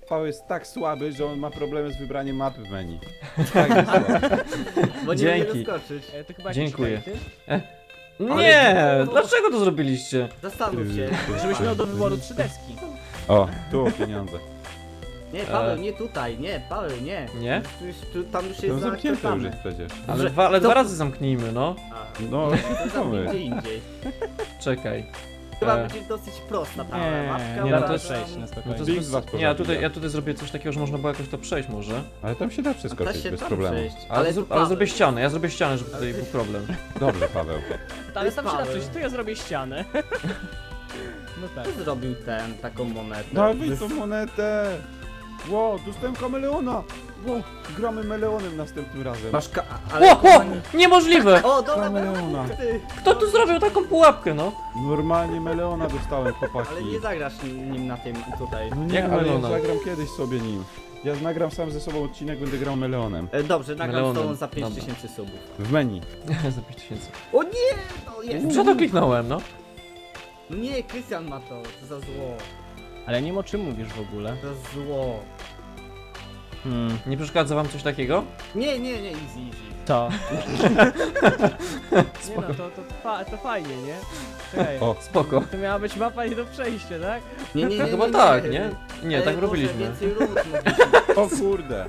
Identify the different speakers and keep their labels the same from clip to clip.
Speaker 1: Paweł jest tak słaby, że on ma problemy z wybraniem mapy w menu. Tak jest słaby.
Speaker 2: Bo nie
Speaker 3: Dzięki.
Speaker 2: umie doskoczyć.
Speaker 4: To chyba
Speaker 3: Dziękuję.
Speaker 4: jakiś
Speaker 3: Nie! Dlaczego to zrobiliście?
Speaker 2: Zastanów się.
Speaker 4: żebyś miał do wyboru 3 deski.
Speaker 1: O, tu pieniądze.
Speaker 2: Nie, Paweł, nie tutaj, nie, Paweł, nie.
Speaker 3: Nie?
Speaker 2: Tam już
Speaker 1: To
Speaker 2: jest
Speaker 1: zamknięte już
Speaker 2: zaakceptowane.
Speaker 1: jest przecież.
Speaker 3: Ale
Speaker 2: Dobrze,
Speaker 3: dwa razy zamknijmy, no.
Speaker 2: A,
Speaker 1: No,
Speaker 2: to zamknij
Speaker 1: mamy.
Speaker 2: gdzie indziej.
Speaker 3: Czekaj.
Speaker 2: Chyba
Speaker 3: E.
Speaker 2: będzie dosyć prosta ta
Speaker 4: Nie,
Speaker 2: mapka.
Speaker 4: nie
Speaker 3: no
Speaker 4: da
Speaker 3: to
Speaker 4: to
Speaker 3: jest-
Speaker 4: przejść na
Speaker 3: No
Speaker 4: spokojnie.
Speaker 3: to
Speaker 1: Big
Speaker 3: jest
Speaker 1: was
Speaker 3: bez... Nie,
Speaker 1: prowadzi,
Speaker 3: ja tutaj zrobię coś takiego, że można było jakoś to przejść może.
Speaker 1: Ale tam się da
Speaker 2: Da
Speaker 1: przeskoczyć
Speaker 2: się
Speaker 1: bez
Speaker 2: tam
Speaker 1: problemu.
Speaker 2: przejść.
Speaker 3: Ale,
Speaker 2: tu
Speaker 3: ale
Speaker 2: Paweł.
Speaker 3: zrobię ścianę, ja zrobię ścianę, żeby tutaj był problem.
Speaker 1: Dobrze, Paweł.
Speaker 4: Ale tam się da
Speaker 2: Paweł.
Speaker 4: przejść, to ja zrobię ścianę. No tak.
Speaker 2: Kto zrobił taką monetę?
Speaker 1: Dawaj tą monetę! Ło, dostałem kameleona! Ło, gramy meleonem następnym razem.
Speaker 2: Masz ale...
Speaker 3: O! Niemożliwe!
Speaker 2: O, dobra,
Speaker 1: Kameleona.
Speaker 2: ty.
Speaker 3: Kto tu zrobił taką pułapkę, no?
Speaker 1: Normalnie meleona dostałem, chłopaki.
Speaker 2: Ale nie zagrasz nim na tym tutaj.
Speaker 1: No nie,
Speaker 3: Jak
Speaker 1: ale ja
Speaker 3: meleona?
Speaker 1: zagram kiedyś sobie nim. Ja nagram sam ze sobą odcinek, będę grał meleonem.
Speaker 2: Dobrze, nagram z
Speaker 3: Melonem.
Speaker 2: tobą za
Speaker 3: Dobra.
Speaker 2: 5000 subów.
Speaker 1: W menu.
Speaker 3: Za 5000.
Speaker 2: O nie! No jest!
Speaker 3: Co to kliknąłem, no?
Speaker 2: No nie, Krystian ma to. To za zło.
Speaker 4: Ale nie wiem o czym mówisz w ogóle.
Speaker 2: Za zło.
Speaker 3: Nie przeszkadza wam coś takiego?
Speaker 2: Nie, easy.
Speaker 4: To. Nie no, to fajnie, nie? Czekaj.
Speaker 1: O,
Speaker 3: Spoko.
Speaker 4: To miała być mapa nie do przejścia, tak?
Speaker 2: Nie,
Speaker 3: No chyba tak, nie? Nie,
Speaker 2: Ale
Speaker 3: tak
Speaker 2: może
Speaker 3: robiliśmy.
Speaker 2: więcej rund mówisz.
Speaker 1: o kurde.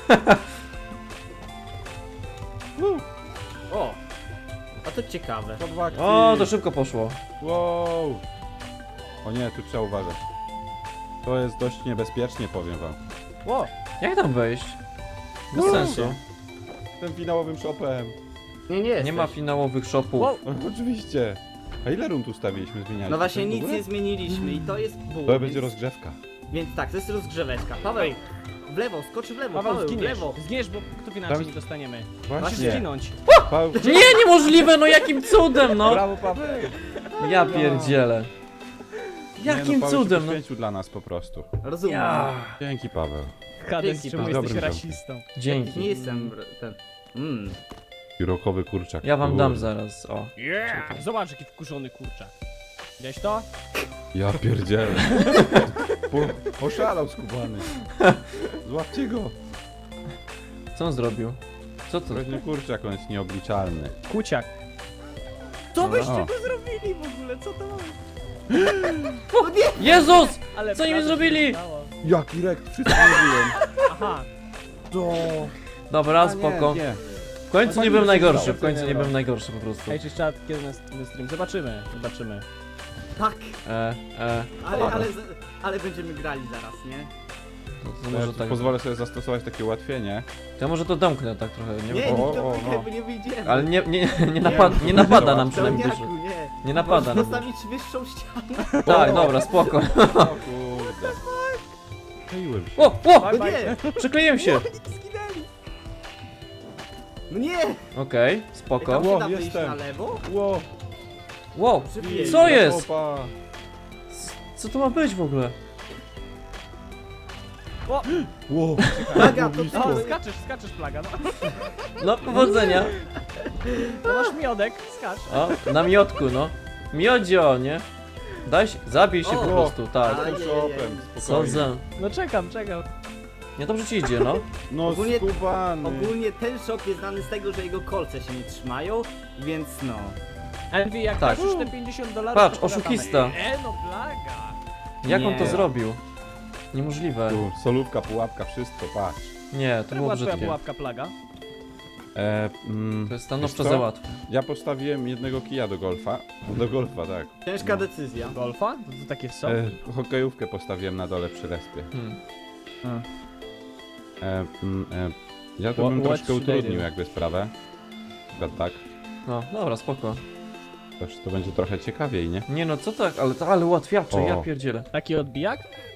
Speaker 2: O! A to ciekawe.
Speaker 1: To w akcji.
Speaker 3: O, to szybko poszło.
Speaker 1: Wow. O nie, tu trzeba uważać. To jest dość niebezpiecznie, powiem wam.
Speaker 4: Ło!
Speaker 3: Jak tam wejść? Bez
Speaker 1: No,
Speaker 3: sensu.
Speaker 1: Tym finałowym shopem.
Speaker 2: Nie
Speaker 3: Nie ma finałowych shopów.
Speaker 4: Wow.
Speaker 1: No, oczywiście. A ile rund ustawiliśmy, zmienialiśmy?
Speaker 2: No właśnie
Speaker 1: coś w
Speaker 2: nic
Speaker 1: ogóle?
Speaker 2: nie zmieniliśmy i to jest ból.
Speaker 1: To będzie rozgrzewka.
Speaker 2: Więc tak, to jest rozgrzeweczka. Paweł, w lewo, skocz w lewo,
Speaker 4: Paweł,
Speaker 2: w
Speaker 4: zginiesz.
Speaker 2: lewo.
Speaker 4: Zginiesz, bo kto wie na czym
Speaker 1: Tam-
Speaker 4: nie dostaniemy. Musisz
Speaker 1: Właśnie.
Speaker 4: zginąć.
Speaker 1: Paweł,
Speaker 3: Nie, niemożliwe, no jakim cudem, no!
Speaker 1: brawo Paweł.
Speaker 3: Ja pierdzielę.
Speaker 1: Nie,
Speaker 3: Jakim
Speaker 1: no, Paweł
Speaker 3: cudem,
Speaker 1: się
Speaker 3: no?
Speaker 1: poświęcił dla nas po prostu.
Speaker 2: Rozumiem.
Speaker 3: Ja.
Speaker 1: Dzięki Paweł.
Speaker 4: Hades,
Speaker 2: Dzięki,
Speaker 4: czemu
Speaker 1: Paweł.
Speaker 4: jesteś
Speaker 1: Dobrym
Speaker 4: rasistą?
Speaker 2: Nie
Speaker 3: Dzięki.
Speaker 2: jestem ten...
Speaker 1: Piórokowy kurczak.
Speaker 3: Ja wam
Speaker 1: Kurde.
Speaker 3: dam zaraz, o.
Speaker 4: Zobacz jaki wkurzony kurczak. Widziałeś to?
Speaker 1: Ja pierdzielę. Oszalał skubany. Złapcie go.
Speaker 3: Co on zrobił? Co to?
Speaker 1: Groźny kurczak, on jest nieobliczalny.
Speaker 4: Kuciak. Co byście
Speaker 1: O.
Speaker 4: go zrobili w ogóle? Co to mamy?
Speaker 3: Jezus!
Speaker 4: Ale
Speaker 3: Co im
Speaker 4: prawie
Speaker 3: zrobili?
Speaker 4: się udało.
Speaker 1: Jaki rekt, wszystko mówiłem.
Speaker 4: Aha.
Speaker 1: To...
Speaker 3: Dobra, spoko.
Speaker 1: Nie.
Speaker 3: W końcu
Speaker 1: Pani
Speaker 3: nie byłem
Speaker 1: się
Speaker 3: najgorszy,
Speaker 1: udało,
Speaker 3: w końcu
Speaker 1: to
Speaker 3: nie
Speaker 1: nie
Speaker 3: byłem najgorszy po prostu.
Speaker 4: Hej, czy czat kiedy na stream? Zobaczymy.
Speaker 2: Tak,
Speaker 3: E,
Speaker 2: ale będziemy grali zaraz, nie?
Speaker 3: to
Speaker 1: Ja
Speaker 3: może
Speaker 1: tu
Speaker 3: tak.
Speaker 1: pozwolę sobie zastosować takie ułatwienie.
Speaker 3: To ja może to domknę tak trochę, nie
Speaker 2: Nie,
Speaker 3: wiem.
Speaker 1: o,
Speaker 2: nikt to
Speaker 1: o,
Speaker 2: wygra,
Speaker 1: no.
Speaker 2: bo nie wyjdziemy.
Speaker 3: Ale nie napada nam przynajmniej
Speaker 2: Pełniaku,
Speaker 3: dużo.
Speaker 2: nie.
Speaker 3: Nie napada nam.
Speaker 2: Postawić wyższą ścianę.
Speaker 3: Tak, dobra, spoko.
Speaker 1: O kurde. Kleiłem się.
Speaker 3: O!
Speaker 2: No nie,
Speaker 3: Przykleiłem się!
Speaker 2: zginęli. No nie!
Speaker 3: Okej,
Speaker 2: Tam
Speaker 3: spoko.
Speaker 2: się
Speaker 1: Ło,
Speaker 2: da wyjść
Speaker 1: jestem.
Speaker 2: na lewo?
Speaker 1: Ło.
Speaker 3: Wow,
Speaker 2: Przybiję.
Speaker 3: co jest?
Speaker 1: Opa.
Speaker 3: Co to ma być w ogóle?
Speaker 1: Ło.
Speaker 2: Plaga, to
Speaker 1: blisko.
Speaker 4: O, skaczesz plaga, no.
Speaker 3: No, powodzenia.
Speaker 4: To masz miodek, skacz.
Speaker 3: O, na miodku, no. Miodzio, nie? Daj się, zabij się
Speaker 2: O.
Speaker 3: po prostu, tak.
Speaker 1: Tym
Speaker 2: Ajajaj.
Speaker 1: shopem,
Speaker 3: Co
Speaker 1: spokojnie.
Speaker 3: za...
Speaker 4: No czekam.
Speaker 3: Nie, dobrze ci idzie, no.
Speaker 1: No
Speaker 2: Ogólnie-
Speaker 1: skubany.
Speaker 2: Ogólnie ten shop jest znany z tego, że jego kolce się nie trzymają, więc no.
Speaker 4: Envy, jak
Speaker 3: Tak.
Speaker 4: dasz już te $50,
Speaker 3: Patrz,
Speaker 4: to pogadamy.
Speaker 3: oszukista.
Speaker 4: No plaga.
Speaker 3: Jak on
Speaker 2: Nie.
Speaker 3: to zrobił? Niemożliwe.
Speaker 1: Tu, solówka, pułapka, wszystko, patrz.
Speaker 3: Nie, to
Speaker 4: To
Speaker 3: było
Speaker 4: była twoja
Speaker 3: brzydkie.
Speaker 4: pułapka plaga.
Speaker 3: To jest stanowczo
Speaker 1: Wiesz co?
Speaker 3: za łatwe.
Speaker 1: Ja postawiłem jednego kija do golfa. Do golfa, tak.
Speaker 2: Ciężka decyzja.
Speaker 4: Golfa? To takie są?
Speaker 1: Hokejówkę postawiłem na dole przy respie.
Speaker 3: Hmm.
Speaker 1: Ja to
Speaker 4: What-
Speaker 1: bym
Speaker 4: what
Speaker 1: troszkę
Speaker 4: should I
Speaker 1: utrudnił
Speaker 4: do?
Speaker 1: jakby sprawę. Chyba tak.
Speaker 3: No, dobra, spoko.
Speaker 1: To będzie trochę ciekawiej, nie?
Speaker 3: Nie no, co tak, ale ułatwiacze,
Speaker 1: O.
Speaker 3: ja pierdzielę.
Speaker 4: Taki odbijak?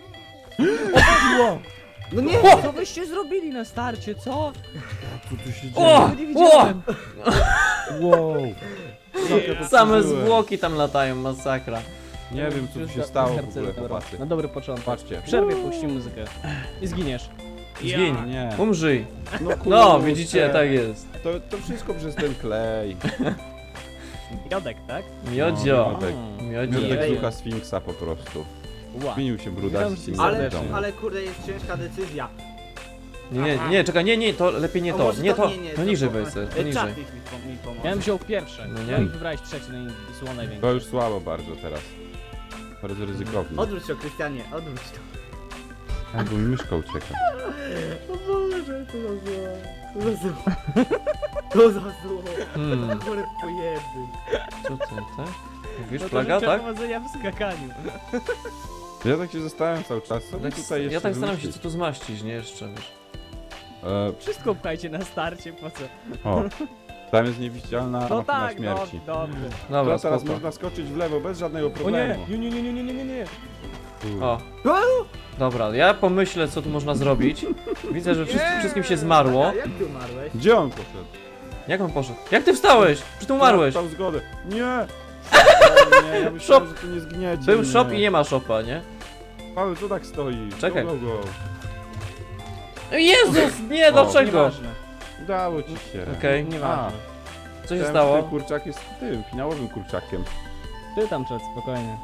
Speaker 2: No nie!
Speaker 4: Co byście zrobili na starcie, co?
Speaker 1: Co tu się
Speaker 3: O!
Speaker 4: Nie widziałem.
Speaker 1: Wow!
Speaker 3: Same zwłoki tam latają, masakra.
Speaker 1: Nie wiem co tu się stało w ogóle, chłopacy.
Speaker 4: Na dobry początek.
Speaker 1: Patrzcie.
Speaker 4: W przerwie puści muzykę. I zginiesz.
Speaker 3: Zgiń,
Speaker 1: Nie.
Speaker 3: umrzyj.
Speaker 1: No,
Speaker 3: No,
Speaker 1: kurczę.
Speaker 3: widzicie, tak jest.
Speaker 1: To wszystko przez ten klej.
Speaker 4: Miodek, tak?
Speaker 3: Miodzio.
Speaker 1: Miodek.
Speaker 3: Miodzio.
Speaker 1: Miodek
Speaker 2: Ej.
Speaker 1: ducha Sfinksa po prostu.
Speaker 4: Ła.
Speaker 1: Zmienił się brudas.
Speaker 4: Witam
Speaker 2: Ale,
Speaker 4: serdecznie.
Speaker 2: ale kurde, jest ciężka decyzja.
Speaker 3: Nie, czekaj, nie, to lepiej nie
Speaker 2: A
Speaker 3: to,
Speaker 2: może
Speaker 3: nie to,
Speaker 2: nie,
Speaker 3: no niżej
Speaker 2: to-
Speaker 3: weź sobie, to niżej.
Speaker 2: Czarnik mi pomoże.
Speaker 4: Ja bym wziął pierwsze.
Speaker 3: No
Speaker 4: No
Speaker 3: nie.
Speaker 4: nie? I wybrałeś trzeci, no i słowo
Speaker 1: To
Speaker 4: największe.
Speaker 1: już słabo bardzo teraz. Bardzo ryzykownie.
Speaker 2: Odwróć to, Krystianie, odwróć to.
Speaker 1: Tak, bo mi myszka ucieka.
Speaker 2: O Boże, co za zło. Co za zło. Co za zło. Chore pojeby.
Speaker 3: Co ty, tak? Mówisz
Speaker 4: No to
Speaker 3: plaga,
Speaker 4: życzę
Speaker 3: tak?
Speaker 4: powodzenia w skakaniu.
Speaker 1: Ja tak się zastanawiam cały czas, co by tutaj jeszcze
Speaker 3: Ja tak staram się
Speaker 1: wymyślić?
Speaker 3: co tu zmaścić, nie jeszcze, wiesz.
Speaker 4: Wszystko pchajcie na starcie, po co?
Speaker 1: O, tam jest niewidzialna
Speaker 4: No
Speaker 1: machina
Speaker 4: tak, no,
Speaker 1: śmierci.
Speaker 4: dobrze.
Speaker 3: Dobra,
Speaker 1: To teraz
Speaker 3: spoko.
Speaker 1: można skoczyć w lewo bez żadnego
Speaker 4: O nie,
Speaker 1: problemu.
Speaker 4: nie.
Speaker 3: O. Dobra, ja pomyślę co tu można zrobić. Widzę, że wszystkim się zmarło.
Speaker 2: A jak ty umarłeś?
Speaker 1: Gdzie on poszedł?
Speaker 3: Jak on poszedł? Jak ty wstałeś? Czy ty umarłeś?
Speaker 1: Dał zgodę. Nie! O nie, ja myślałem,
Speaker 3: Shop.
Speaker 1: że tu nie zgniecie.
Speaker 3: Był
Speaker 1: mnie.
Speaker 3: shop i nie ma shopa, nie?
Speaker 1: Paweł, co tak stoi?
Speaker 3: Czekaj.
Speaker 1: Go, go, go.
Speaker 3: Jezus, nie, dlaczego?
Speaker 4: Nieważne.
Speaker 1: Udało ci się.
Speaker 3: Okej.
Speaker 4: Nieważne.
Speaker 3: Co się
Speaker 1: Myślałem, że
Speaker 3: stało?
Speaker 1: Ten kurczak jest tym, finałowym kurczakiem.
Speaker 4: Ty tam przed, spokojnie.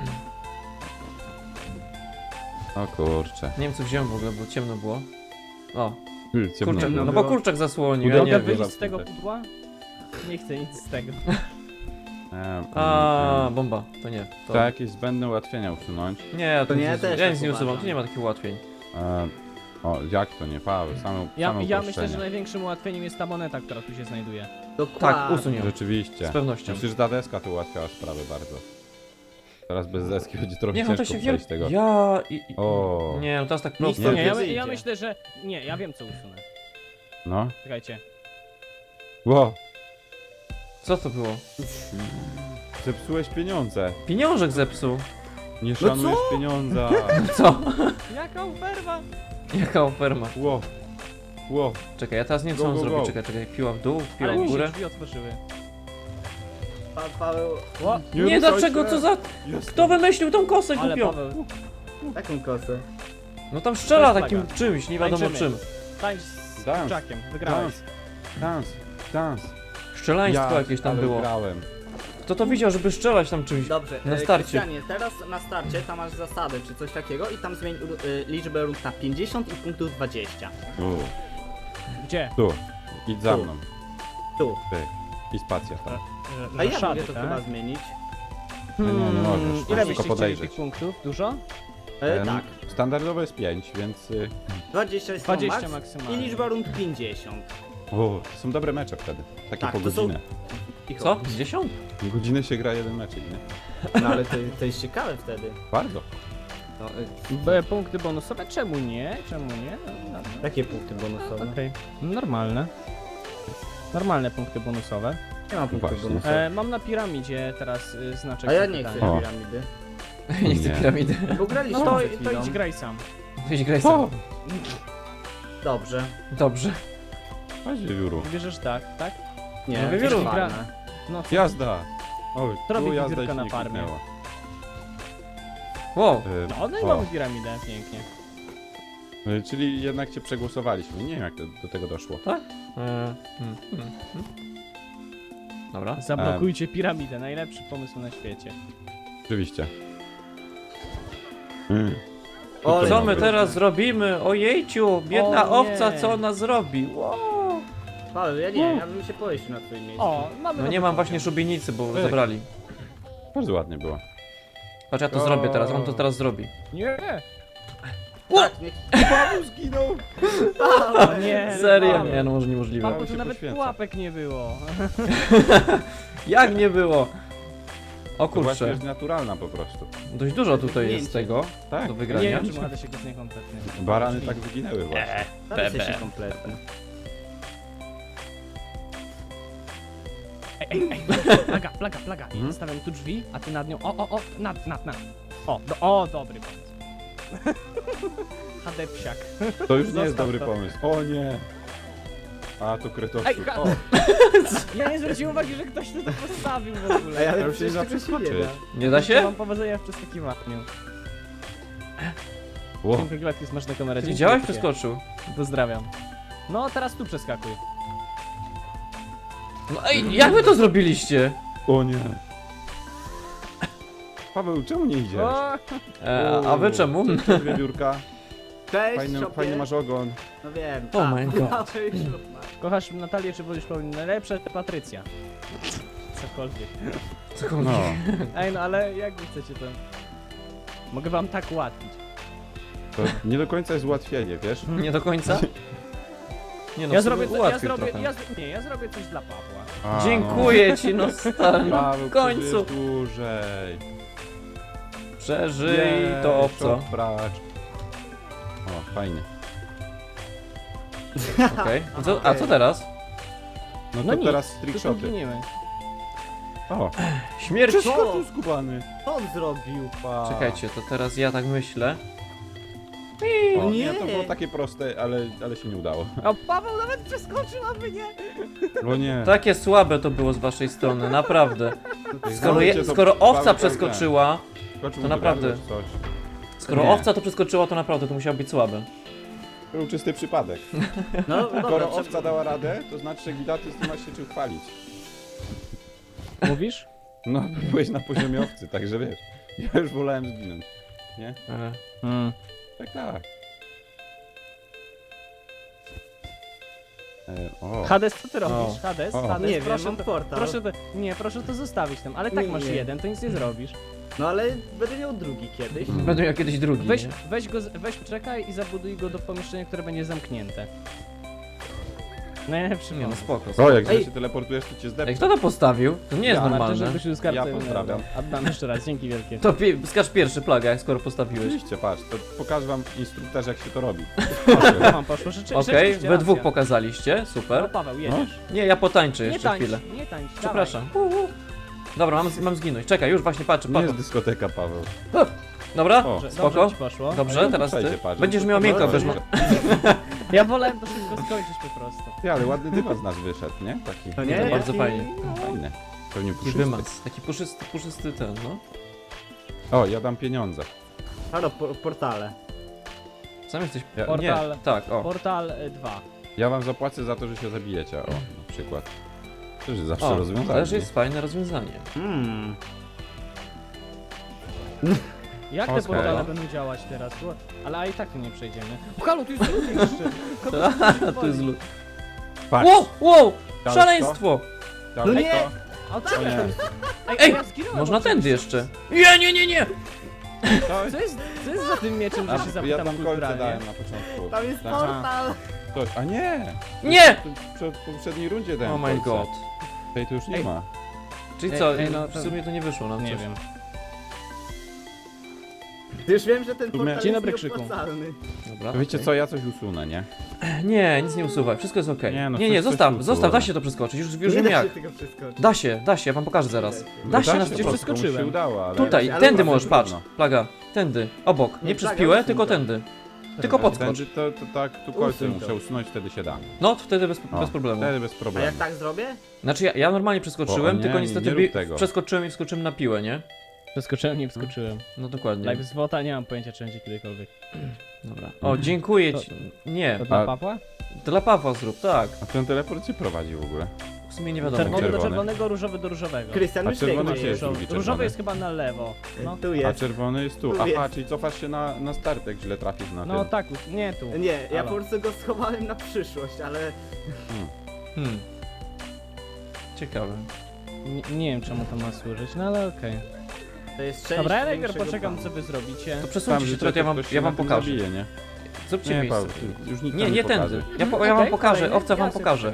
Speaker 1: O kurcze.
Speaker 3: Nie wiem co wziąłem w ogóle, bo ciemno było. O,
Speaker 1: Ciemno
Speaker 3: kurczak,
Speaker 1: było.
Speaker 3: no bo kurczak zasłonił, ja
Speaker 1: Udało
Speaker 3: nie
Speaker 1: się
Speaker 3: wiem.
Speaker 4: Mogę wyjść
Speaker 1: za
Speaker 4: z tego
Speaker 1: chwilę.
Speaker 4: pudła? Nie chcę nic z tego.
Speaker 3: A, bomba, to nie. To...
Speaker 1: Trzeba jakieś zbędne ułatwienia usunąć.
Speaker 3: Nie,
Speaker 1: Tak,
Speaker 3: to
Speaker 2: nie, też
Speaker 3: ja
Speaker 2: tak
Speaker 3: nic nie usuwam,
Speaker 2: uważam.
Speaker 3: tu nie ma takich ułatwień.
Speaker 1: O, jak to nie, Paweł? Same
Speaker 4: Ja myślę,
Speaker 1: uproszczenia.
Speaker 4: że największym ułatwieniem jest ta moneta, która tu się znajduje.
Speaker 2: Dokładnie.
Speaker 3: Tak, usuń ją.
Speaker 1: Rzeczywiście.
Speaker 3: Z pewnością.
Speaker 1: Myślę, że ta deska to ułatwiała sprawę bardzo. Teraz bez deski będzie trochę
Speaker 3: Nie, on to
Speaker 1: ciężko
Speaker 3: się
Speaker 1: przejść tego.
Speaker 3: Ja i...
Speaker 1: O.
Speaker 3: Nie, no teraz tak
Speaker 2: Nic
Speaker 3: prosto.
Speaker 2: to
Speaker 4: Nie, ja
Speaker 2: wyjdzie.
Speaker 4: myślę, że... Nie, ja wiem co usunę.
Speaker 1: No.
Speaker 4: Czekajcie.
Speaker 1: Ło,
Speaker 3: Co to było?
Speaker 1: zepsułeś pieniądze.
Speaker 3: Pieniążek zepsuł.
Speaker 1: Nie szanujesz pieniądza.
Speaker 3: Co?
Speaker 4: Jaka oferma?
Speaker 3: Jaka oferma?
Speaker 1: Ło. Ło.
Speaker 3: Czekaj, ja teraz nie wiem co
Speaker 1: Go,
Speaker 3: mam
Speaker 1: go,
Speaker 3: zrobić.
Speaker 1: go.
Speaker 3: Czekaj, piła w dół, piła
Speaker 4: Ale
Speaker 3: w
Speaker 4: mi się
Speaker 3: górę.
Speaker 4: drzwi otworzyły.
Speaker 2: Paweł,
Speaker 4: O,
Speaker 3: Nie,
Speaker 1: ruszaj
Speaker 3: dlaczego?
Speaker 1: się.
Speaker 3: Co za...
Speaker 1: Jest.
Speaker 3: Kto wymyślił tą kosę
Speaker 4: ale
Speaker 3: głupią?
Speaker 4: Paweł,
Speaker 2: taką kosę.
Speaker 3: No tam strzela
Speaker 4: To jest
Speaker 3: takim
Speaker 4: plaga.
Speaker 3: czymś, nie wiadomo
Speaker 4: Tańczymy.
Speaker 3: czym.
Speaker 4: tańcz z
Speaker 1: Dans.
Speaker 4: kurczakiem, wygrałeś.
Speaker 1: Dans. Dans.
Speaker 3: Strzelaństwo jakieś tam
Speaker 1: ale
Speaker 3: było.
Speaker 1: grałem.
Speaker 3: Kto to widział, żeby strzelać tam czymś?
Speaker 2: Dobrze,
Speaker 3: Na starcie.
Speaker 2: Krystianie, teraz na starcie tam masz zasady czy coś takiego i tam zmień liczbę rund na 50 i punktów 20.
Speaker 4: Gdzie?
Speaker 1: Tu. Idź za
Speaker 2: Tu.
Speaker 1: mną.
Speaker 2: Tu.
Speaker 1: Ty. I spacja tam.
Speaker 2: A ja
Speaker 4: Szady,
Speaker 2: mogę to
Speaker 4: tak?
Speaker 2: chyba zmienić.
Speaker 1: Nie, nie możesz.
Speaker 4: Ile
Speaker 1: Musisz
Speaker 4: byście
Speaker 1: tylko
Speaker 4: chcieli
Speaker 1: podejrzeć.
Speaker 4: tych punktów? Dużo?
Speaker 2: Tak.
Speaker 1: Standardowe jest 5, więc...
Speaker 2: 20 jest
Speaker 4: 20
Speaker 2: max
Speaker 4: maksymalnie.
Speaker 2: i liczba rund 50.
Speaker 1: O, to są dobre mecze wtedy. Takie
Speaker 2: Tak,
Speaker 1: po
Speaker 2: to są-
Speaker 1: godzinę.
Speaker 2: Cicho.
Speaker 3: Co? 10?
Speaker 1: Godzinę się gra jeden meczek, nie?
Speaker 2: No ale to jest ciekawe wtedy.
Speaker 1: Bardzo.
Speaker 2: No,
Speaker 4: Punkty bonusowe? Czemu nie? Czemu nie? No,
Speaker 2: jakie punkty bonusowe?
Speaker 4: Okej, normalne. Normalne punkty bonusowe.
Speaker 2: Nie mam punktów
Speaker 1: Właśnie.
Speaker 2: bonusowych.
Speaker 4: Mam na piramidzie teraz znaczek
Speaker 2: A ja nie
Speaker 4: zapytania.
Speaker 2: chcę
Speaker 1: O.
Speaker 2: piramidy.
Speaker 3: Nie chcę
Speaker 1: Nie.
Speaker 3: piramidy.
Speaker 2: Bo graliśmy
Speaker 4: No to,
Speaker 2: przed
Speaker 4: to
Speaker 2: chwilą.
Speaker 4: idź graj sam.
Speaker 3: Weź graj sam.
Speaker 2: Dobrze.
Speaker 3: Dobrze.
Speaker 1: Chodź, wiewióru.
Speaker 4: Wybierzesz tak, tak?
Speaker 2: Nie,
Speaker 3: No,
Speaker 2: to jest
Speaker 3: wiewióru.
Speaker 2: fajne.
Speaker 4: No co?
Speaker 1: Jazda! Oj,
Speaker 4: To robi
Speaker 1: tu jazda
Speaker 4: wiewiórka
Speaker 1: i się
Speaker 4: na
Speaker 1: nie
Speaker 4: farmie.
Speaker 1: kliknęła.
Speaker 3: Wow.
Speaker 4: No, no i
Speaker 1: O.
Speaker 4: mamy piramidę, pięknie.
Speaker 1: Czyli jednak cię przegłosowaliśmy. Nie wiem jak do tego doszło.
Speaker 3: Dobra.
Speaker 4: Zablokujcie piramidę, najlepszy pomysł na świecie.
Speaker 1: Oczywiście.
Speaker 2: Ole,
Speaker 3: Co my
Speaker 2: kurde.
Speaker 3: teraz zrobimy? Ojejciu, biedna
Speaker 4: O nie.
Speaker 3: owca, co ona zrobi? Wow.
Speaker 2: Paweł, ja nie, ja bym się pojeździł na twoim miejscu.
Speaker 4: O, mamy...
Speaker 3: No
Speaker 4: nowy
Speaker 3: nie mam
Speaker 4: poziom.
Speaker 3: właśnie szubienicy, bo
Speaker 1: Ej.
Speaker 3: zabrali.
Speaker 1: Bardzo ładnie było.
Speaker 3: Patrz, ja to zrobię teraz, on to teraz zrobi.
Speaker 4: Nie!
Speaker 2: Tak, niech...
Speaker 1: Paweł zginął!
Speaker 4: O nie!
Speaker 3: Serio?
Speaker 4: Paweł.
Speaker 3: Nie, no może niemożliwe.
Speaker 4: Paweł,
Speaker 1: się
Speaker 4: tu nawet
Speaker 1: poświęca.
Speaker 4: pułapek nie było.
Speaker 3: Jak nie było? O
Speaker 1: To właśnie
Speaker 3: kurczę,
Speaker 1: jest naturalna po prostu.
Speaker 3: dość dużo tutaj jest
Speaker 2: Zdjęcie.
Speaker 3: tego
Speaker 1: Tak.
Speaker 3: do
Speaker 4: Nie
Speaker 3: wygrania.
Speaker 4: wiem, czy Mada się go nie kompletnie.
Speaker 1: Barany tak wyginęły właśnie.
Speaker 2: Zapisy się kompletnie.
Speaker 4: Ej, plaga. I
Speaker 1: Mhm.
Speaker 4: stawiam tu drzwi, a ty nad nią. O, nad. O, dobry pomysł. HD psiak.
Speaker 1: To już nie jest
Speaker 4: Zostaw
Speaker 1: dobry
Speaker 4: to.
Speaker 1: pomysł. O nie! A to
Speaker 4: Ej,
Speaker 1: kretowski.
Speaker 4: ha-
Speaker 1: O,
Speaker 4: Ja nie zwróciłem uwagi, że ktoś to postawił w ogóle.
Speaker 2: Ej, ale
Speaker 1: to już się nie da
Speaker 2: przecież
Speaker 1: przeskoczyć.
Speaker 2: nie da.
Speaker 3: Nie da
Speaker 4: Życzę
Speaker 3: się?
Speaker 4: wam powodzenia w przeskakiwaniu.
Speaker 1: Ło.
Speaker 4: Dziękuję, Gladki, smaczna na kamerę.
Speaker 3: Ty
Speaker 4: Dzięki
Speaker 3: widziałeś?
Speaker 4: wielkie.
Speaker 3: Przeskoczył.
Speaker 4: Pozdrawiam. No, teraz tu przeskakuj.
Speaker 3: No ej, jak wy to zrobiliście?
Speaker 1: O nie. Paweł, czemu nie idziesz?
Speaker 4: O,
Speaker 3: A wy czemu?
Speaker 1: Cześć, wiewiórka.
Speaker 2: Cześć,
Speaker 1: Fajny,
Speaker 2: szopie.
Speaker 1: fajny masz ogon.
Speaker 2: No wiem.
Speaker 3: Oh my god.
Speaker 2: Mały ślub masz.
Speaker 4: kochasz Natalię, czy wolisz Paulinę? Najlepsza Patrycja. Cokolwiek.
Speaker 1: No.
Speaker 4: Ej, no ale jak wy chcecie to? Mogę wam tak ułatwić.
Speaker 1: To nie do końca jest ułatwienie, wiesz?
Speaker 3: Nie do końca? Nie no,
Speaker 4: Ja
Speaker 3: w
Speaker 4: zrobię,
Speaker 3: sumie
Speaker 4: ja
Speaker 3: ułatwił
Speaker 4: zrobię,
Speaker 3: trochę.
Speaker 4: ja zrobię coś dla Pawła.
Speaker 1: A,
Speaker 3: Dziękuję ci, no stary,
Speaker 1: No.
Speaker 3: no,
Speaker 1: Paweł,
Speaker 3: w końcu.
Speaker 1: przeżyjesz dłużej.
Speaker 3: Przeżyj
Speaker 1: Nie,
Speaker 3: to obco.
Speaker 1: Brać. O, fajnie.
Speaker 3: Okej. A co teraz?
Speaker 1: No to
Speaker 4: No nic,
Speaker 1: teraz
Speaker 4: Tu
Speaker 1: trickshoty.
Speaker 4: giniemy.
Speaker 1: O,
Speaker 3: Śmierć!
Speaker 1: wszystko tu skubany.
Speaker 2: Co on zrobił?
Speaker 3: Czekajcie, to teraz ja tak myślę.
Speaker 1: O, nie,
Speaker 2: Nie.
Speaker 1: to było takie proste, ale się nie udało.
Speaker 4: O, Paweł nawet przeskoczył, a wy nie.
Speaker 1: O nie.
Speaker 3: Takie słabe to było z waszej strony, naprawdę. Skoro,
Speaker 1: Słuchajcie, to
Speaker 3: skoro owca
Speaker 1: Paweł
Speaker 3: przeskoczyła,
Speaker 1: Skoczył
Speaker 3: to
Speaker 1: do
Speaker 3: naprawdę.
Speaker 1: gardła czy coś.
Speaker 3: skoro
Speaker 1: Nie.
Speaker 3: owca to przeskoczyła, to naprawdę to musiało być słabe.
Speaker 1: Był czysty przypadek.
Speaker 2: No dobra,
Speaker 1: Skoro owca dała radę, to znaczy, że Gidaty z tym masz się czym chwalić.
Speaker 4: Mówisz?
Speaker 1: No, byłeś na poziomie owcy, także wiesz. Ja już wolałem zginąć. Nie? Tak, tak. O,
Speaker 4: Hades, co ty robisz?
Speaker 1: O.
Speaker 4: Hades,
Speaker 1: O.
Speaker 4: Hades,
Speaker 2: Nie wiem,
Speaker 4: proszę,
Speaker 2: mam portal.
Speaker 4: proszę to, nie, proszę to zostawić tam, ale tak
Speaker 2: Nie,
Speaker 4: masz
Speaker 2: nie.
Speaker 4: jeden, to nic nie zrobisz.
Speaker 2: No ale będę miał drugi kiedyś.
Speaker 3: Będę miał kiedyś drugi.
Speaker 4: Weź,
Speaker 3: nie?
Speaker 4: weź czekaj i zabuduj go do pomieszczenia, które będzie zamknięte. Najlepszy
Speaker 3: Nie no,
Speaker 4: pomysł.
Speaker 3: spoko.
Speaker 1: o
Speaker 3: spoko.
Speaker 1: jak
Speaker 2: Ej.
Speaker 1: się teleportujesz, to cię
Speaker 3: Ej,
Speaker 1: zdepnę.
Speaker 3: kto to postawił? To nie jest
Speaker 4: Ja,
Speaker 3: normalne.
Speaker 4: żebyś już z karty...
Speaker 1: Ja pozdrawiam.
Speaker 4: Oddam jeszcze raz, dzięki wielkie.
Speaker 3: To skacz pierwszy plaga, jak skoro postawiłeś.
Speaker 1: Oczywiście, patrz, to pokażę wam instruktaż, jak się to robi.
Speaker 4: Ja mam poszło,
Speaker 3: Okej, we dwóch pokazaliście,
Speaker 4: No
Speaker 3: super.
Speaker 4: Paweł, jedziesz.
Speaker 3: Nie, ja potańczę
Speaker 4: Nie
Speaker 3: jeszcze
Speaker 4: tańcz,
Speaker 3: chwilę.
Speaker 4: nie tańcz,
Speaker 3: Przepraszam. Dobra, mam zginąć. Czekaj, już właśnie patrzę,
Speaker 1: Nie
Speaker 3: patrzę.
Speaker 1: jest dyskoteka, Paweł.
Speaker 3: Dobra,
Speaker 1: O,
Speaker 4: Dobrze,
Speaker 3: spoko.
Speaker 4: dobrze ci poszło.
Speaker 3: Dobrze,
Speaker 1: Ale
Speaker 3: teraz ty.
Speaker 1: przejdzie, patrz.
Speaker 3: Będziesz miał miękko,
Speaker 2: Dobra,
Speaker 3: będziesz
Speaker 2: dobra.
Speaker 4: Ja wolałem to szybko skończyć po prostu.
Speaker 1: Ty, ale ładny dywan z nas wyszedł, nie? Taki.
Speaker 2: To
Speaker 3: nie, to bardzo fajnie.
Speaker 1: Fajne. Pewnie
Speaker 3: Taki
Speaker 1: puszysty.
Speaker 3: wymaz, taki puszysty ten, no.
Speaker 1: O, ja dam pieniądze.
Speaker 2: Halo, portale.
Speaker 3: Sam jesteś...
Speaker 1: Ja,
Speaker 4: Portal.
Speaker 1: nie,
Speaker 3: Tak, o.
Speaker 4: Portal 2.
Speaker 1: ja wam zapłacę za to, że się zabijecie. O, na przykład. To jest zawsze
Speaker 3: O,
Speaker 1: rozwiązanie.
Speaker 3: też jest fajne rozwiązanie.
Speaker 4: Jak te
Speaker 1: Okej.
Speaker 4: portale będą działać teraz? Ale a i tak tu nie przejdziemy. O, halo, tu jest lód jeszcze!
Speaker 3: A, tu jest lód.
Speaker 1: Patrz,
Speaker 3: Wow, wow!
Speaker 1: Dałeś
Speaker 3: Szaleństwo!
Speaker 1: dałeś
Speaker 2: No nie!
Speaker 1: to.
Speaker 4: A co
Speaker 1: O nie.
Speaker 3: Ej,
Speaker 4: ja zginąłem
Speaker 3: można
Speaker 4: od
Speaker 3: tędy
Speaker 4: czegoś.
Speaker 3: jeszcze. Nie!
Speaker 1: To
Speaker 4: Co jest za tym mieczem, że się
Speaker 1: ja
Speaker 4: zapytam
Speaker 1: tam kolce
Speaker 4: kulturalnie?
Speaker 1: dałem na początku.
Speaker 2: Tam jest
Speaker 1: Tak.
Speaker 2: portal!
Speaker 1: Ktoś, a nie!
Speaker 3: Nie!
Speaker 1: W poprzedniej rundzie dałem
Speaker 3: Oh my
Speaker 1: kolce.
Speaker 3: god.
Speaker 1: Tej to już nie
Speaker 4: Ej.
Speaker 1: ma.
Speaker 3: Czyli
Speaker 4: Ej,
Speaker 3: co,
Speaker 4: ej, no
Speaker 3: w
Speaker 4: to-
Speaker 3: sumie to nie wyszło nam
Speaker 4: Nie
Speaker 3: coś.
Speaker 4: wiem.
Speaker 2: Już wiem, że ten
Speaker 1: sumie-
Speaker 2: portal
Speaker 4: Dzień
Speaker 2: jest
Speaker 4: dobry, Krzyku.
Speaker 2: nieopłacalny.
Speaker 3: Dobra.
Speaker 1: Wiecie
Speaker 3: okej.
Speaker 1: co, ja coś usunę, nie?
Speaker 3: Nie, nic nie usuwaj, wszystko jest okej.
Speaker 1: Nie, no
Speaker 3: Nie,
Speaker 1: coś
Speaker 3: zostaw,
Speaker 1: tu
Speaker 3: zostaw, da
Speaker 1: usuwa.
Speaker 3: się to przeskoczyć, już
Speaker 2: Nie
Speaker 3: wiem
Speaker 2: da
Speaker 3: jak.
Speaker 2: się tego przeskoczyć.
Speaker 3: Da się, ja wam pokażę zaraz.
Speaker 1: No
Speaker 3: Da się na
Speaker 1: po
Speaker 4: przecież
Speaker 1: prostu, komuś się
Speaker 4: przeskoczyłem.
Speaker 1: udało, ale...
Speaker 3: Tutaj,
Speaker 2: ale
Speaker 3: tędy
Speaker 2: masz
Speaker 3: możesz, patrz.
Speaker 1: trudno.
Speaker 3: Plaga, tędy, obok. Nie
Speaker 2: Nie,
Speaker 3: przez
Speaker 2: plaga,
Speaker 3: piłę,
Speaker 2: usuń
Speaker 3: tylko
Speaker 2: to.
Speaker 3: tędy. Tylko podskocz.
Speaker 1: Tędy to tak, tu kolce
Speaker 2: Usuń to.
Speaker 1: muszę usunąć, wtedy się da.
Speaker 3: No, wtedy bez
Speaker 1: O,
Speaker 3: problemu.
Speaker 1: Wtedy bez
Speaker 2: A
Speaker 1: problemu.
Speaker 2: jak tak zrobię?
Speaker 3: Znaczy ja normalnie przeskoczyłem,
Speaker 1: O, nie,
Speaker 3: tylko
Speaker 1: nie,
Speaker 3: niestety
Speaker 1: nie rób tego.
Speaker 3: przeskoczyłem i wskoczyłem na piłę, nie?
Speaker 4: Przeskoczyłem, nie wskoczyłem.
Speaker 3: No dokładnie.
Speaker 4: Live z WOTA nie mam pojęcia, czy będzie kiedykolwiek.
Speaker 3: Dobra. O, dziękuję ci. Nie,
Speaker 4: To dla
Speaker 1: A-
Speaker 4: Pawła?
Speaker 3: dla Pawła zrób, tak.
Speaker 1: A ten teleport cię prowadzi w ogóle?
Speaker 3: W sumie nie wiadomo.
Speaker 4: Czerwony do
Speaker 1: Czerwony.
Speaker 4: czerwonego, różowy do różowego.
Speaker 2: Krystian,
Speaker 1: A
Speaker 2: już
Speaker 1: czerwony
Speaker 2: biegnie.
Speaker 1: gdzie jest?
Speaker 4: Różowy,
Speaker 1: drugi
Speaker 4: różowy
Speaker 1: czerwony.
Speaker 4: jest chyba na lewo. No,
Speaker 2: Tu
Speaker 1: A
Speaker 2: jest.
Speaker 1: czerwony jest tu.
Speaker 2: Tu
Speaker 1: Aha,
Speaker 2: jest.
Speaker 1: czyli cofasz się na start, jak źle trafisz na
Speaker 4: no
Speaker 1: tym.
Speaker 4: tak, nie tu.
Speaker 2: Nie, ja
Speaker 4: Halo.
Speaker 2: po prostu go schowałem na przyszłość, ale...
Speaker 3: Hmm. Ciekawe.
Speaker 4: Nie wiem czemu to ma służyć, no ale okej.
Speaker 2: To jest część
Speaker 4: Dobra, ja najpierw
Speaker 2: większego
Speaker 4: poczekam
Speaker 2: planu.
Speaker 4: co wy zrobicie.
Speaker 3: To
Speaker 1: Tam,
Speaker 3: przesuńcie się
Speaker 1: że
Speaker 3: trochę,
Speaker 1: ktoś
Speaker 3: ja
Speaker 1: się
Speaker 3: wam
Speaker 1: na tym
Speaker 3: pokażę.
Speaker 1: zabije, nie?
Speaker 3: Zróbcie
Speaker 1: Nie,
Speaker 3: miejsce.
Speaker 1: Paweł, już nikt
Speaker 3: Nie,
Speaker 1: tam
Speaker 3: nie
Speaker 1: pokaże.
Speaker 3: tędy. Ja wam
Speaker 4: Okej,
Speaker 3: pokażę,
Speaker 4: kolejny.
Speaker 3: owca wam
Speaker 4: Ja sobie
Speaker 3: pokaże.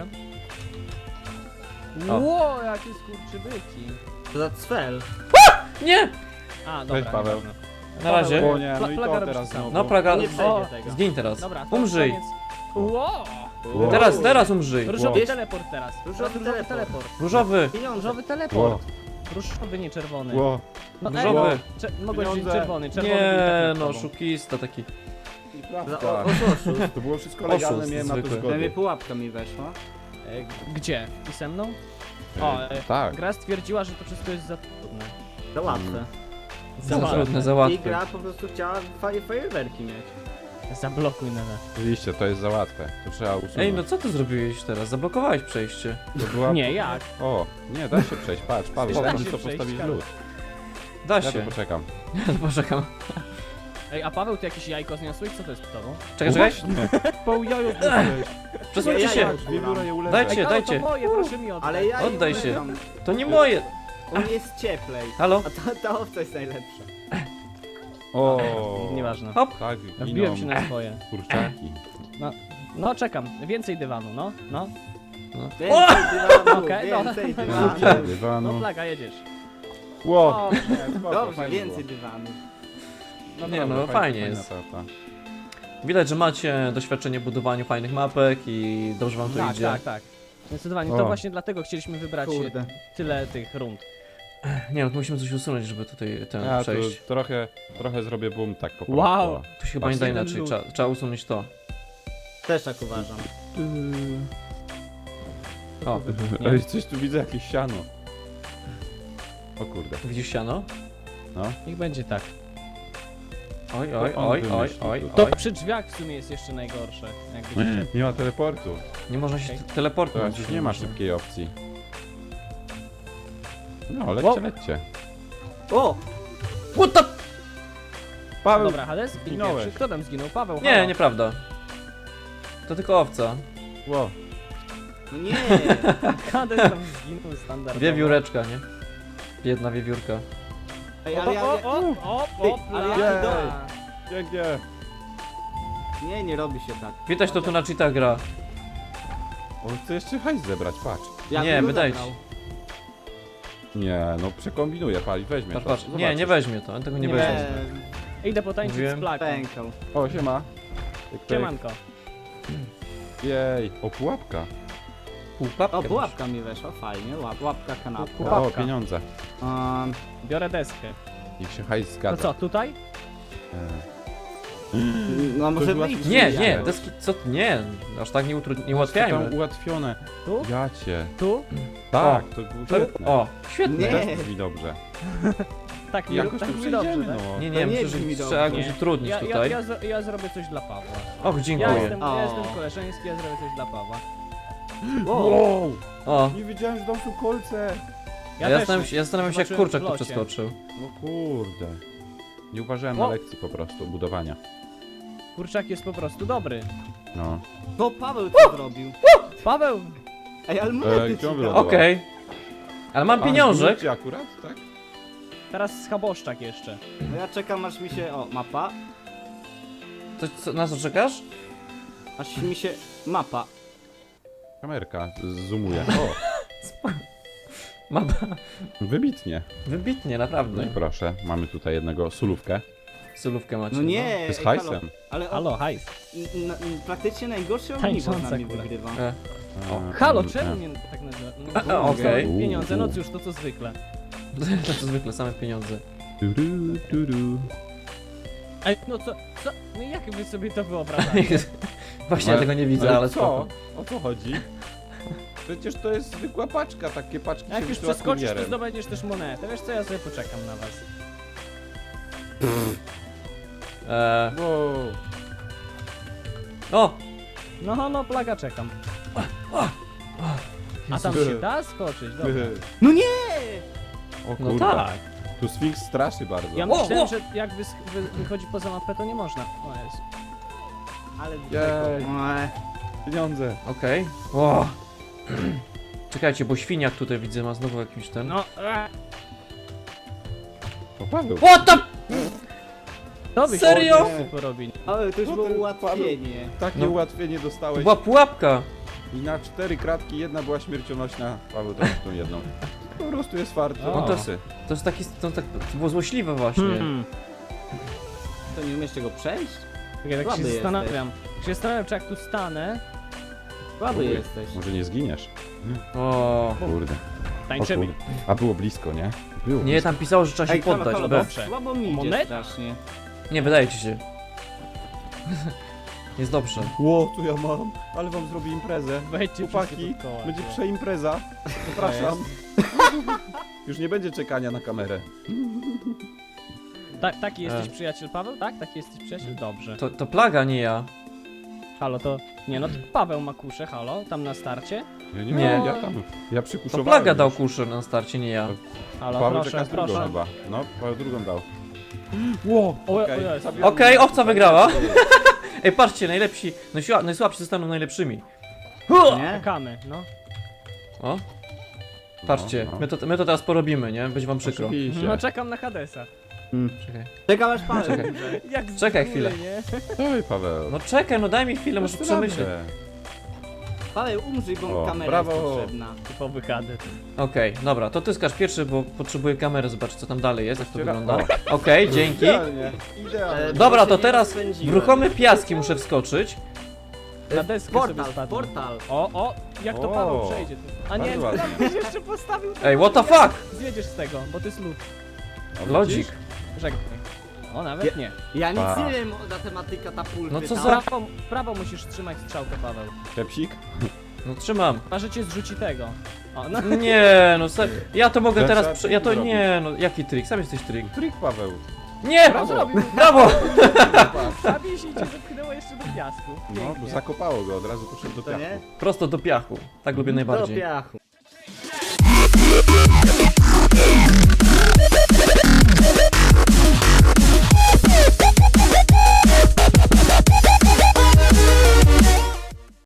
Speaker 4: poczekam.
Speaker 3: O.
Speaker 4: Ło, jakie skurczybyki.
Speaker 2: To za cfel.
Speaker 3: Nie!
Speaker 4: A, dobra.
Speaker 1: Cześć, Paweł.
Speaker 4: nieważne.
Speaker 3: Na razie.
Speaker 1: O nie, no i
Speaker 4: Plaga
Speaker 1: to
Speaker 4: robi
Speaker 1: teraz
Speaker 4: to samo.
Speaker 1: znowu.
Speaker 3: No plaga,
Speaker 2: Nie przejdzie
Speaker 4: O,
Speaker 2: tego.
Speaker 3: zgiń teraz.
Speaker 4: Dobra, to
Speaker 3: Umrzyj.
Speaker 4: koniec. Ło!
Speaker 1: Wow.
Speaker 3: Teraz umrzyj.
Speaker 4: Różowy
Speaker 2: Wiesz-
Speaker 4: teleport teraz.
Speaker 2: Różowy teleport.
Speaker 3: Różowy.
Speaker 2: Pieniądze.
Speaker 4: Różowy teleport. Różowy, nie czerwony.
Speaker 1: Ło,
Speaker 4: No,
Speaker 3: Różowy.
Speaker 4: Mogłeś wziąć
Speaker 1: Pieniądze.
Speaker 4: czerwony. Czerwony
Speaker 3: Nie,
Speaker 4: był taki
Speaker 3: no,
Speaker 4: z tobą.
Speaker 3: oszukista taki.
Speaker 2: Za oszust.
Speaker 1: To było wszystko legalne,
Speaker 3: Oszust
Speaker 1: miałem na to
Speaker 3: zwykły.
Speaker 1: zgodę.
Speaker 2: pułapka mi weszła.
Speaker 4: Gdzie? I ze mną? O,
Speaker 1: Tak.
Speaker 4: gra stwierdziła, że to wszystko jest za trudne.
Speaker 2: Za łatwe.
Speaker 3: Za
Speaker 4: łatwe.
Speaker 3: trudne, za
Speaker 2: I
Speaker 3: łatwe.
Speaker 2: gra po prostu chciała fajerwerki mieć.
Speaker 4: Zablokuj na nas.
Speaker 1: Oczywiście, to jest za łatwe. To trzeba usunąć.
Speaker 3: Ej, no co ty zrobiłeś teraz? Zablokowałeś przejście.
Speaker 1: To była...
Speaker 4: Nie, jak?
Speaker 1: O, nie, da się przejść, patrz, Paweł,
Speaker 3: Da
Speaker 1: tam
Speaker 4: się
Speaker 1: co
Speaker 4: przejść,
Speaker 1: postawić
Speaker 4: Karol.
Speaker 1: lód.
Speaker 3: Da
Speaker 1: Ja tu
Speaker 3: się.
Speaker 1: poczekam.
Speaker 3: Poczekam.
Speaker 4: Ej, a Paweł, ty jakieś jajko zniosłeś? Co to jest z tobą?
Speaker 3: Czekaj, czekaj.
Speaker 1: Pół jajo zniosłeś.
Speaker 3: Przesuńcie
Speaker 2: Ja
Speaker 3: się.
Speaker 2: jajo.
Speaker 1: Dwie biura je uleżę.
Speaker 3: Dajcie.
Speaker 4: Ej, halo,
Speaker 3: dajcie.
Speaker 4: to moje, proszę mi oddać.
Speaker 2: Ale ja
Speaker 3: Oddaj
Speaker 2: nie
Speaker 3: się.
Speaker 2: ulegam.
Speaker 3: To nie moje.
Speaker 2: U mnie jest cieplej.
Speaker 3: Halo?
Speaker 2: A ta owca jest najlepsza.
Speaker 1: O,
Speaker 4: Nieważne.
Speaker 3: Hop.
Speaker 1: tak,
Speaker 4: Ja
Speaker 1: giną
Speaker 4: wbiłem się na swoje.
Speaker 1: kurczaki.
Speaker 4: No, czekam. Więcej dywanu, no.
Speaker 2: Więcej dywanu,
Speaker 4: Okej, no.
Speaker 2: więcej
Speaker 4: No,
Speaker 2: dywanu.
Speaker 4: No,
Speaker 1: Dywanu.
Speaker 4: plaga, jedziesz.
Speaker 1: Ło,
Speaker 4: O,
Speaker 2: Dobrze, więcej dywanu.
Speaker 3: Nie no, fajnie jest. Widać, że macie doświadczenie w budowaniu fajnych mapek i dobrze wam to
Speaker 4: tak,
Speaker 3: idzie.
Speaker 4: tak, tak. Zdecydowanie.
Speaker 1: O.
Speaker 4: To właśnie dlatego chcieliśmy wybrać
Speaker 2: Kurde.
Speaker 4: tyle tych rund.
Speaker 3: Nie no, to musimy coś usunąć, żeby tutaj ten
Speaker 1: Ja tu
Speaker 3: przejść.
Speaker 1: trochę zrobię boom tak po prostu.
Speaker 4: Wow.
Speaker 3: Tu się chyba nie da
Speaker 4: Właśnie ten
Speaker 3: inaczej,
Speaker 4: lód.
Speaker 3: trzeba usunąć to.
Speaker 2: Też tak uważam.
Speaker 3: O,
Speaker 1: Ej, coś tu widzę, jakieś siano. O kurde.
Speaker 3: widzisz siano?
Speaker 4: Niech będzie tak.
Speaker 3: Oj,
Speaker 1: To
Speaker 3: oj,
Speaker 1: on
Speaker 3: oj, oj,
Speaker 1: wymyślił
Speaker 3: oj,
Speaker 1: to.
Speaker 4: To
Speaker 3: oj.
Speaker 4: przy drzwiach w sumie jest jeszcze najgorsze. Jakby
Speaker 1: Nie ma teleportu.
Speaker 3: Nie można się
Speaker 4: Okej.
Speaker 3: teleportować.
Speaker 1: Teraz już nie ma szybkiej opcji. No,
Speaker 4: Wow.
Speaker 1: lećcie, lećcie.
Speaker 2: O!
Speaker 3: What the...
Speaker 1: Paweł,
Speaker 4: Dobra, Hades, i
Speaker 1: zginąłeś.
Speaker 4: pierwszy. Kto tam zginął? Paweł,
Speaker 3: Nie,
Speaker 4: halo.
Speaker 3: nieprawda. To tylko owca.
Speaker 1: Ło,
Speaker 2: No nie!
Speaker 4: Hades tam zginął standardowo.
Speaker 3: Wiewióreczka, nie? Biedna wiewiórka.
Speaker 2: Ej,
Speaker 4: O,
Speaker 2: ale ja... ale ja-
Speaker 4: plaga.
Speaker 1: pięknie.
Speaker 2: Nie robi się tak.
Speaker 3: Widać to tu na cheatach gra.
Speaker 1: On chce jeszcze hajs zebrać, patrz.
Speaker 2: Ja
Speaker 3: Nie,
Speaker 2: bym
Speaker 3: wydaje
Speaker 2: zabrał.
Speaker 3: ci.
Speaker 1: Nie, no przekombinuję, pali, weźmie
Speaker 3: Patrz,
Speaker 1: to.
Speaker 3: patrz. Nie,
Speaker 1: Zobaczysz.
Speaker 3: nie weźmie to, on tego nie
Speaker 4: Nie
Speaker 3: weźmie.
Speaker 4: Idę potańczyć
Speaker 3: Mówiłem.
Speaker 4: z plagą.
Speaker 2: Pękał.
Speaker 1: O, siema. Pyk, pyk.
Speaker 4: Siemanko.
Speaker 1: Jej, o pułapka.
Speaker 3: Półpapkę
Speaker 2: O,
Speaker 3: masz.
Speaker 2: pułapka mi weszła, fajnie. Łapka, kanapka.
Speaker 4: Pułapka.
Speaker 1: O, pieniądze.
Speaker 4: Biorę deskę.
Speaker 1: Niech się hajs
Speaker 4: To
Speaker 1: zgadza.
Speaker 4: co, tutaj?
Speaker 2: No może
Speaker 1: To
Speaker 2: wyjść.
Speaker 3: Nie,
Speaker 1: Ja
Speaker 3: nie,
Speaker 1: już.
Speaker 3: deski, co? Nie, aż tak nie
Speaker 1: Tam
Speaker 3: ułatwiajmy.
Speaker 1: ułatwione.
Speaker 4: Tu?
Speaker 1: Ja cię.
Speaker 4: Tu?
Speaker 1: Tak, to było świetne.
Speaker 3: O, świetnie.
Speaker 2: Nie.
Speaker 1: Teraz brzmi dobrze.
Speaker 4: Tak mi,
Speaker 1: Jakoś
Speaker 4: tak
Speaker 1: tu
Speaker 4: mi dobrze,
Speaker 1: przejdziemy,
Speaker 4: tak?
Speaker 1: no.
Speaker 3: Nie,
Speaker 2: To
Speaker 3: nie,
Speaker 2: nie
Speaker 3: myślę, że
Speaker 2: brzmi
Speaker 3: trzeba
Speaker 2: dobrze.
Speaker 3: jakoś utrudnić tutaj.
Speaker 4: Ja zrobię coś dla Pawła.
Speaker 3: Och,
Speaker 4: Ja
Speaker 3: dziękuję.
Speaker 4: jestem,
Speaker 2: O.
Speaker 4: ja jestem koleżeński, ja zrobię coś dla Pawła.
Speaker 2: Wow.
Speaker 3: O,
Speaker 1: Nie wiedziałem, że tam są kolce.
Speaker 3: ja
Speaker 4: też
Speaker 3: zastanawiam się jak
Speaker 4: zobaczyłem
Speaker 3: kurczak
Speaker 4: w
Speaker 3: tu
Speaker 4: locie.
Speaker 3: przeskoczył.
Speaker 1: No kurde. Nie uważałem na
Speaker 4: O.
Speaker 1: lekcji po prostu budowania.
Speaker 4: Kurczak jest po prostu dobry.
Speaker 1: No.
Speaker 2: To Paweł co zrobił?
Speaker 4: Paweł!
Speaker 2: Ej, ale
Speaker 1: gdzie
Speaker 2: monety
Speaker 1: on
Speaker 2: ci dał.
Speaker 1: wylądował?
Speaker 3: Okej. Ale mam pieniążek.
Speaker 1: Pieniążek. Akurat, tak?
Speaker 4: Teraz schaboszczak jeszcze.
Speaker 2: No ja czekam aż mi się... O, mapa.
Speaker 3: Na co czekasz?
Speaker 2: Aż mi się... Mapa.
Speaker 1: Kamerka zoomuje. O,
Speaker 3: Mam
Speaker 1: wybitnie.
Speaker 3: wybitnie,
Speaker 1: No
Speaker 3: naprawdę.
Speaker 1: i proszę, mamy tutaj jednego sulówkę.
Speaker 3: Solówkę macie.
Speaker 2: No nie!
Speaker 1: To jest
Speaker 2: ej,
Speaker 1: hajsem.
Speaker 2: halo. Ale
Speaker 4: Halo, hajs.
Speaker 2: praktycznie najgorsze ogniwo z
Speaker 4: Tańcząca
Speaker 2: nami
Speaker 4: kula.
Speaker 2: wygrywa.
Speaker 3: E,
Speaker 4: Halo, czemu mnie tak nazywa? No,
Speaker 3: okej.
Speaker 4: Pieniądze, no cóż, to co zwykle.
Speaker 3: to co zwykle, same pieniądze.
Speaker 4: Ej, no co? No jak wy sobie to wyobrażacie?
Speaker 3: Właśnie ja tego nie widzę, ale
Speaker 1: co?
Speaker 3: spoko.
Speaker 1: O co chodzi? Przecież to jest zwykła paczka, takie paczki
Speaker 4: Jak
Speaker 1: się
Speaker 4: już
Speaker 1: wysyła
Speaker 4: przeskoczysz, to
Speaker 1: kurierem.
Speaker 4: zdobędziesz też monetę. Wiesz co, ja sobie poczekam na was.
Speaker 1: Wow.
Speaker 3: O!
Speaker 4: No, plaga, czekam. A tam się da skoczyć, dobra.
Speaker 2: No nie!
Speaker 1: O
Speaker 3: No
Speaker 1: kurde.
Speaker 3: tak.
Speaker 1: Tu Sfinks straszy bardzo.
Speaker 4: Ja
Speaker 3: O,
Speaker 4: myślałem,
Speaker 3: o!
Speaker 4: że jak wychodzi poza mapę, to nie można. O Jezu.
Speaker 2: Ale...
Speaker 1: Jej.
Speaker 2: Oj.
Speaker 1: Pieniądze.
Speaker 3: Okej. O! Czekajcie, bo świniak tutaj widzę ma znowu jakimś ten.
Speaker 4: No,
Speaker 1: O Paweł.
Speaker 3: What the...
Speaker 4: to byś
Speaker 3: Serio?
Speaker 4: mógł porobić.
Speaker 2: Ale to już
Speaker 1: No
Speaker 2: było
Speaker 1: ten
Speaker 2: ułatwienie.
Speaker 1: Takie
Speaker 3: No.
Speaker 1: ułatwienie
Speaker 3: To
Speaker 1: dostałeś.
Speaker 3: była pułapka!
Speaker 1: I na 4 kratki jedna była śmiercionośna. Paweł to tą jedną. Po prostu jest farty.
Speaker 4: O.
Speaker 1: On tesy.
Speaker 3: To jest taki... To było złośliwe właśnie.
Speaker 2: To nie umiesz tego przejść?
Speaker 4: Ja tak
Speaker 2: Słaby
Speaker 4: się
Speaker 2: jesteś.
Speaker 4: zastanawiam. Się zastanawiam, czy jak tu stanę,
Speaker 2: Słaby
Speaker 1: Oj,
Speaker 2: jesteś.
Speaker 1: Może nie zginiesz.
Speaker 3: O.
Speaker 1: Kurde. O
Speaker 4: tańczymy.
Speaker 1: kurde. A było blisko, nie? Było
Speaker 3: Nie,
Speaker 1: blisko.
Speaker 3: tam pisało, że trzeba się
Speaker 2: Ej, halo,
Speaker 3: poddać.
Speaker 2: halo,
Speaker 3: Be.
Speaker 4: dobrze.
Speaker 2: Słabo mi idzie
Speaker 4: Moneta?
Speaker 2: strasznie.
Speaker 3: Nie, wydaje ci się. Jest dobrze.
Speaker 1: Ło, tu ja mam. Ale wam zrobię imprezę.
Speaker 4: Wejdźcie
Speaker 1: Chłopaki,
Speaker 4: wszyscy dookoła.
Speaker 1: będzie przeimpreza. Zapraszam. Już nie będzie czekania na kamerę.
Speaker 4: Taki jesteś przyjaciel, Paweł? Tak? Taki jesteś przyjaciel? Dobrze.
Speaker 3: To plaga, nie ja.
Speaker 4: Halo, to... Nie no, to Paweł ma kuszę, halo, tam na starcie.
Speaker 1: Ja nie
Speaker 3: Nie.
Speaker 1: wiem, ja
Speaker 3: To
Speaker 1: przykuszowałem.
Speaker 3: Plaga dał
Speaker 1: już.
Speaker 3: kuszę na starcie, nie ja.
Speaker 4: Halo,
Speaker 1: Paweł
Speaker 4: proszę,
Speaker 1: czeka z drugą
Speaker 4: proszę.
Speaker 1: chyba. No, Paweł drugą dał. Ło,
Speaker 4: O,
Speaker 1: okej,
Speaker 4: o Jezu.
Speaker 1: zabieram
Speaker 3: Okej,
Speaker 1: mu
Speaker 3: owca
Speaker 1: to,
Speaker 3: wygrała.
Speaker 1: tak jest.
Speaker 3: Ej, patrzcie, najlepsi, najsłabsi zostaną najlepszymi.
Speaker 2: Nie?
Speaker 4: Czekamy, no.
Speaker 3: O, patrzcie,
Speaker 1: No,
Speaker 3: my to teraz porobimy, nie? Będzie wam przykro.
Speaker 1: Oczywiście.
Speaker 4: No czekam na Hadesa.
Speaker 3: Czekaj.
Speaker 2: Czekam aż Paweł
Speaker 3: Czekaj.
Speaker 2: umrze.
Speaker 4: Jak z
Speaker 3: Czekaj
Speaker 4: góry,
Speaker 3: chwilę.
Speaker 4: nie?
Speaker 1: Oj, Paweł.
Speaker 3: No czekaj, no daj mi chwilę, muszę przemyśleć.
Speaker 2: Paweł, umrzyj, bo
Speaker 1: O,
Speaker 2: kamera
Speaker 1: brawo.
Speaker 2: jest potrzebna.
Speaker 4: Typowy Hades.
Speaker 3: Okej, dobra, to ty skaż pierwszy, bo potrzebuję kamery, zobaczyć co tam dalej jest, jak to
Speaker 1: Otwiera-
Speaker 3: wygląda. Okej, dzięki.
Speaker 1: Idealnie, idealnie.
Speaker 3: Dobra,
Speaker 2: Bo
Speaker 3: to
Speaker 2: się
Speaker 3: teraz
Speaker 2: nie
Speaker 3: w
Speaker 2: rozpędziłem.
Speaker 3: ruchome piaski muszę wskoczyć.
Speaker 4: Na deskę sobie
Speaker 2: Portal,
Speaker 4: spadłem.
Speaker 2: portal.
Speaker 4: O, jak to
Speaker 1: O,
Speaker 4: Paweł przejdzie. A nie,
Speaker 1: bardzo ładnie.
Speaker 4: byś jeszcze postawił.
Speaker 3: Ej, what the fuck?
Speaker 4: Zjedziesz z tego, bo to jest lód.
Speaker 1: O,
Speaker 3: Lodzik.
Speaker 1: widzisz?
Speaker 4: Żegnaj. O, nawet nie.
Speaker 2: Ja nic
Speaker 1: Pa.
Speaker 2: nie wiem na tematy katapulty.
Speaker 3: No co
Speaker 2: tam.
Speaker 3: za-
Speaker 4: W prawo musisz trzymać strzałkę, Paweł.
Speaker 1: Kepsik?
Speaker 3: No trzymam.
Speaker 4: A że cię zrzuci tego. O, no.
Speaker 3: Nie, no ja to mogę
Speaker 1: To
Speaker 3: teraz,
Speaker 1: trzeba
Speaker 3: ja to
Speaker 1: trik
Speaker 3: nie, no jaki trik, sam jesteś trik.
Speaker 1: Trik, Paweł.
Speaker 3: Nie!
Speaker 1: Brawo.
Speaker 4: Zrobił.
Speaker 3: Brawo!
Speaker 4: Zabił się i cię zepchnęło jeszcze do piasku.
Speaker 1: No, bo
Speaker 4: Pięknie.
Speaker 1: zakopało go, od razu poszedł do
Speaker 2: To
Speaker 1: piachu.
Speaker 2: nie?
Speaker 3: Prosto do piachu, tak lubię
Speaker 2: Do
Speaker 3: najbardziej.
Speaker 2: piachu.